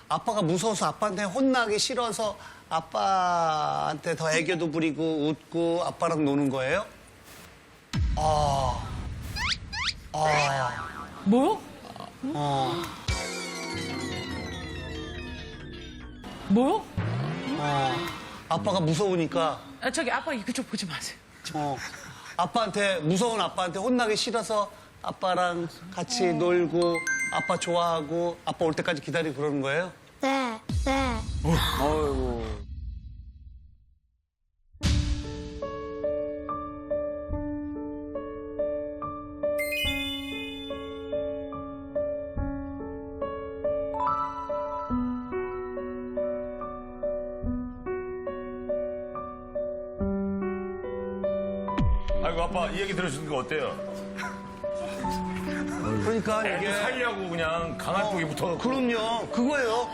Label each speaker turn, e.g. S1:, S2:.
S1: 아빠가 무서워서 아빠한테 혼나기 싫어서 아빠한테 더 애교도 부리고 웃고 아빠랑 노는 거예요?
S2: 뭐요? 뭐요?
S1: 아빠가 무서우니까
S2: 아, 저기 아빠 그쪽 보지 마세요.
S1: 무서운 아빠한테 혼나기 싫어서 아빠랑 같이 놀고 아빠 좋아하고 아빠 올 때까지 기다리고 그러는 거예요?
S3: 네.
S4: 아이고 아빠 이 얘기 들으시는 거 어때요?
S1: 그러니까
S4: 애들
S1: 이게
S4: 사이하고 그냥 강한 쪽이 붙어.
S1: 그럼요 그거예요.